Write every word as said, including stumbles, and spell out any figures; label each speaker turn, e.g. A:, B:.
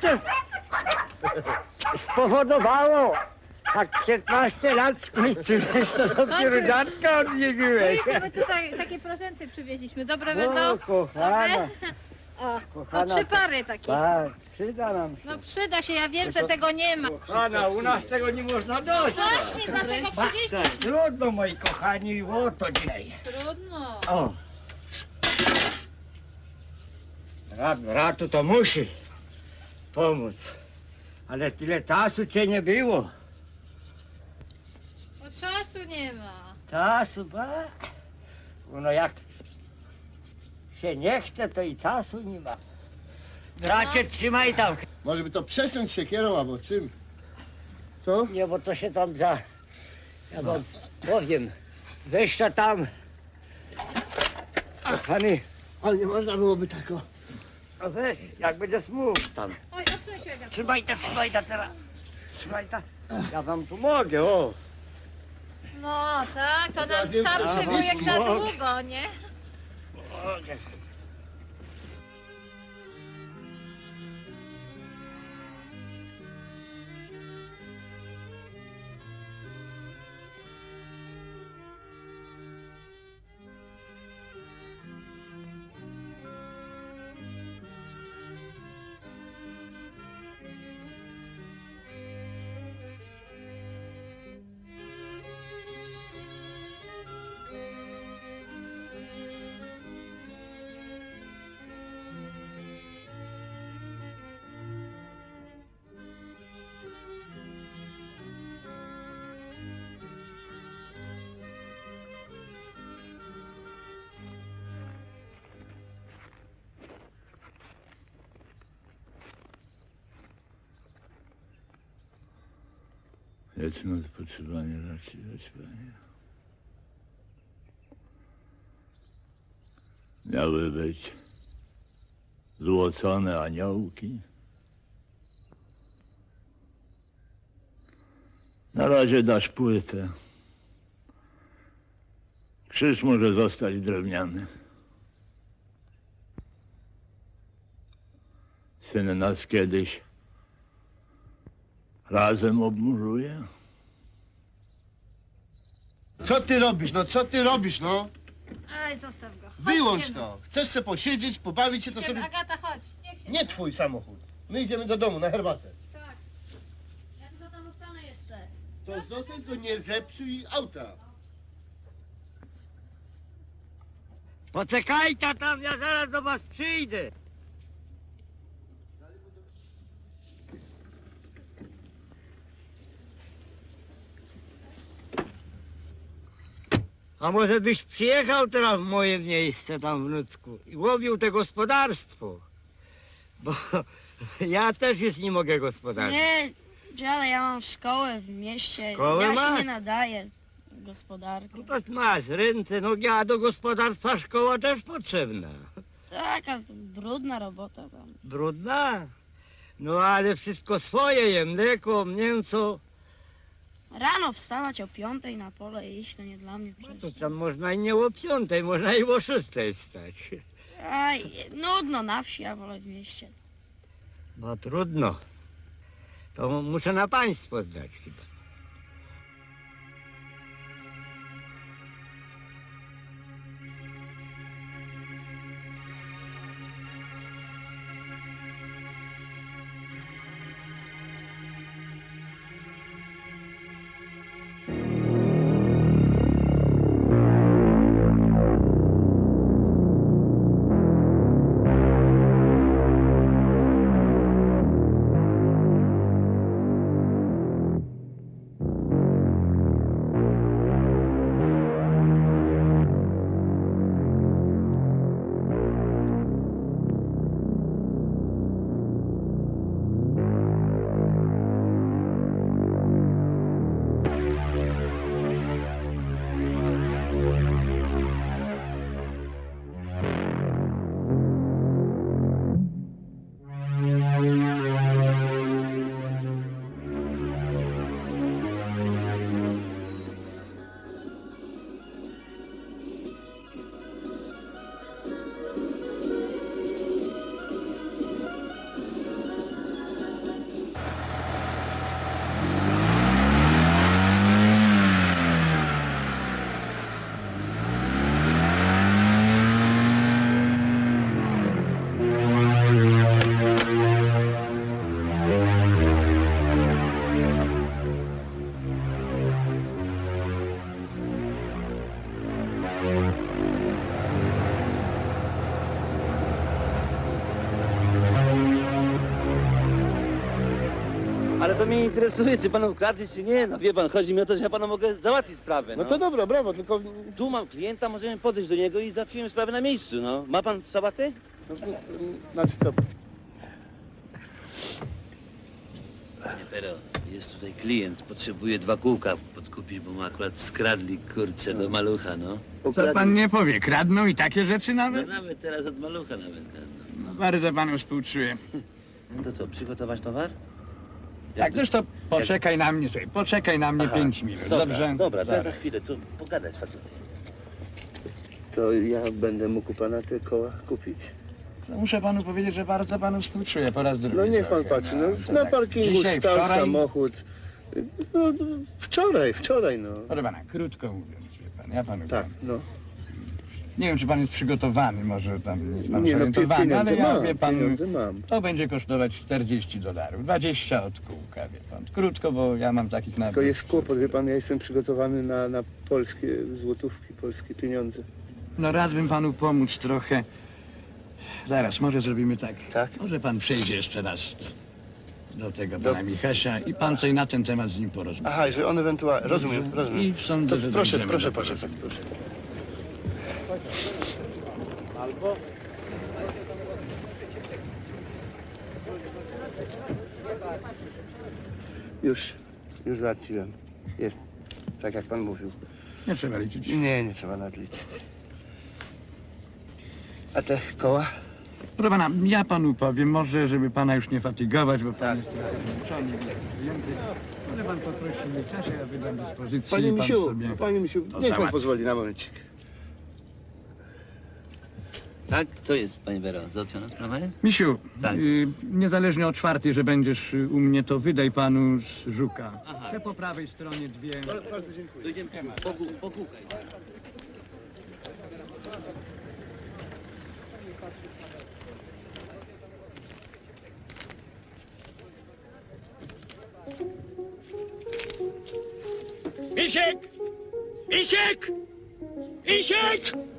A: to spowodowało. Tak piętnaście lat skończyłeś, to dopiero dziadka odwiedziłeś.
B: Ojku, my tutaj takie prezenty przywieźliśmy. Dobre
A: O,
B: będą?
A: kochana.
B: Dobre? O, o
A: Kochana,
B: trzy pary takie.
A: Tak, przyda nam się.
B: No przyda się, ja wiem, że tego nie ma.
A: Kochana, u nas tego nie można dostać.
B: Właśnie dlatego przywieźliśmy.
A: Trudno, moi kochani, o to dzisiaj.
B: Trudno.
A: O. Rat, ratu to musi pomóc. Ale tyle czasu cię nie było.
B: Bo czasu nie ma.
A: Czasu, ba? No jak się nie chce, to i czasu nie ma. Bracie, trzymaj tam.
C: Może by to przeciąć siekierą albo czym? Co?
A: Nie, bo to się tam za... Ja wam powiem. Weź to tam. Kochany,
C: Ale nie można byłoby tak o...
A: no weź, jak będzie smów tam.
B: Oj, odsuń się, Agatka.
A: Trzymaj to, trzymaj to teraz. Trzymaj to. Ja wam pomogę, o.
B: No tak, to nam
C: wiem,
B: starczy
A: a,
B: wujek na
A: mogę.
B: długo, nie?
A: Pomogę.
D: Wieczne odpoczywanie raczej panie. Miały być złocone aniołki. Na razie dasz płytę. Krzyż może zostać drewniany. Syn nas kiedyś razem obmuruje.
C: Co ty robisz, no co ty robisz, no?
B: Aj, zostaw go. Chodź,
C: Wyłącz
B: idziemy.
C: to. Chcesz se posiedzieć, pobawić się, to
B: Idziemy.
C: sobie...
B: Agata, chodź. Niech się...
C: Nie twój samochód. My idziemy do domu na herbatę.
B: Tak. Ja tylko tam zostanę jeszcze.
C: To zostań, to nie zepsuj auta.
A: Poczekajcie tam, ja zaraz do was przyjdę. A może byś przyjechał teraz w moje miejsce tam w Nucku i łowił te gospodarstwo? Bo ja też już nie mogę gospodarować.
E: Nie, dziale, ja mam szkołę w mieście.
A: Szkołę
E: ja
A: masz?
E: się nie nadaję gospodarki.
A: No to masz ręce, nogi, a do gospodarstwa szkoła też potrzebna.
E: Taka brudna robota tam.
A: Brudna? No ale wszystko swoje je, mleko, mięso.
E: Rano wstawać o piątej na pole i iść, to nie dla mnie
A: No to
E: przecież.
A: tam można i nie o piątej, można i o szóstej stać.
E: Aj, nudno na wsi, ja wolę w mieście.
A: No trudno. To muszę na państwo zdać chyba.
F: Ale to mnie interesuje, czy pan ukradli, czy nie. No wie pan, chodzi mi o to, że ja panu mogę załatwić sprawę,
C: No
F: no.
C: to dobra, brawo, tylko...
F: Tu mam klienta, możemy podejść do niego i załatwimy sprawę na miejscu, no. Ma pan sabatę?
C: No, no, znaczy co?
F: Panie Pero, jest tutaj klient, potrzebuje dwa kółka podkupić, bo mu akurat skradli kurczę do malucha, no.
G: Co pan nie powie, kradną i takie rzeczy
F: No
G: nawet?
F: nawet teraz od malucha nawet kradną.
G: No, bardzo panu współczuję.
F: No to co, przygotować towar?
G: Tak, zresztą poczekaj na mnie, słuchaj, poczekaj na mnie
F: Aha,
G: pięć minut,
F: Dobra,
G: dobrze?
F: dobra, to ja za chwilę, tu pogadać z facetem.
C: To ja będę mógł u pana te koła kupić?
G: No, muszę panu powiedzieć, że bardzo panu współczuję po raz drugi.
C: No niech pan
G: trochę,
C: patrzy, no,
G: to
C: na
G: tak.
C: parkingu
G: Dzisiaj,
C: stał
G: wczoraj,
C: samochód. No, wczoraj, wczoraj, no.
G: Proszę pana, krótko mówiąc, wie pan, ja panu
C: Tak,
G: powiem.
C: no.
G: Nie wiem, czy pan jest przygotowany, może tam jest pan
C: Nie, no pie-
G: zorientowany,
C: pieniądze
G: ale ja,
C: mam,
G: wie pan,
C: pieniądze mam.
G: to będzie kosztować czterdzieści dolarów, dwadzieścia od kółka, wie pan. Krótko, bo ja mam takich nawet.
C: Tylko jest kłopot, wie pan, ja jestem przygotowany na, na polskie złotówki, polskie pieniądze.
G: No radbym panu pomóc trochę. Zaraz, może zrobimy tak.
C: Tak?
G: Może pan przejdzie jeszcze raz do tego
C: Do-
G: pana Michasia i pan coś na ten temat z nim porozmawia.
C: Aha, że on ewentualnie... Rozumiem,
G: Dobrze.
C: rozumiem.
G: I sądzę,
C: To
G: że
C: proszę,
G: dojdziemy
C: proszę
G: do
C: poczekać, proszę. Już, już załatwiłem. Jest, tak jak pan mówił.
G: Nie trzeba liczyć.
C: Nie, nie trzeba nadliczyć. A te koła?
G: Proszę pana, ja panu powiem, może żeby pana już nie fatygować, bo pan
C: Tak.
G: jest trochę zmęczony, wiele przyjęty. Może pan poprosi Michasia, ja wydam dyspozycję
C: Panie
G: i pan
C: misiu,
G: sobie...
C: panie misiu,
G: to
C: niech pan
G: załatwi.
C: pozwoli na momencik.
F: Tak? To jest, panie Pero, załatwiona sprawa jest?
G: Misiu,
F: Tak.
G: y, niezależnie od czwartej, że będziesz y, u mnie, to wydaj panu z żuka.
F: Aha.
G: Te po prawej stronie dwie.
C: Bardzo dziękuję.
F: Dojdziemy po, kół- po kółkaj.
A: Misiek! Misiek! Misiek!